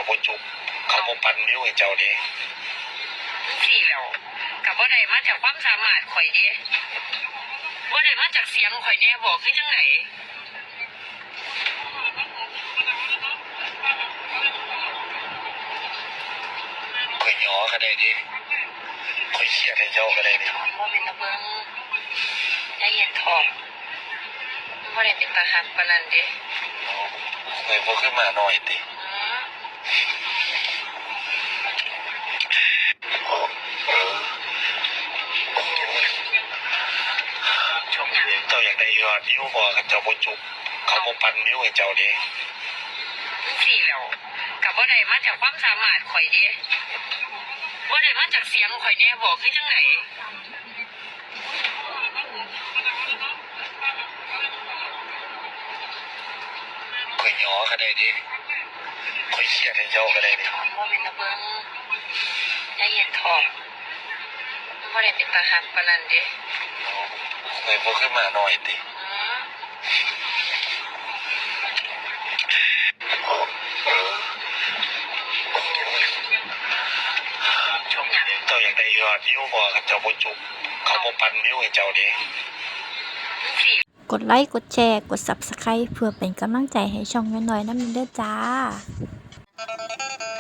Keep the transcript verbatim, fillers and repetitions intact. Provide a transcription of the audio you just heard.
บ่จุบเขาบ่ปันนิ้วให้เจ้าเด้สี่แล้วกับว่าได้มาจากความสามารถข่อยเด้ว่าได้มาจากเสียงข่อยแน่บอกคือจังไหนข่อยหยอก็ได้ดิข่อยเขียดให้เจ้าก็ได้ดิว่าเป็นตะเบิงใจเย็นทองว่าได้เป็นตาหักปานนั้นเด้ข่อยบ่คือมาน้อยติเจ้าอยากได้ยอดนิ้วบ่กับเจ้าบ่จุบเขาบ่ปันนิ้วให้เจ้าเด้สี่แล้วกับว่าได้มาจากความสามารถข่อยเด้ว่าได้มาจากเสียงข่อยแน่บอกคือจังไหนข่อยหยอก็ได้ดิข่อยเขียดให้เจ้าก็ได้ดิว่าเป็นตะเบิงใจเย็นทองว่าได้เป็นตาหักปานนั้นเด้ข่อยบ่คือมาน้อยติเจ้าอยากได้ยอดนิ้วบ่กับเจ้าบ่จุบเขาบ่ปันนิ้วให้เจ้าเด้กดไลค์กดแชร์กด ซับสไครบ์ เพื่อเป็นกำลังใจให้ช่องน้อยๆนำเด้อจ้า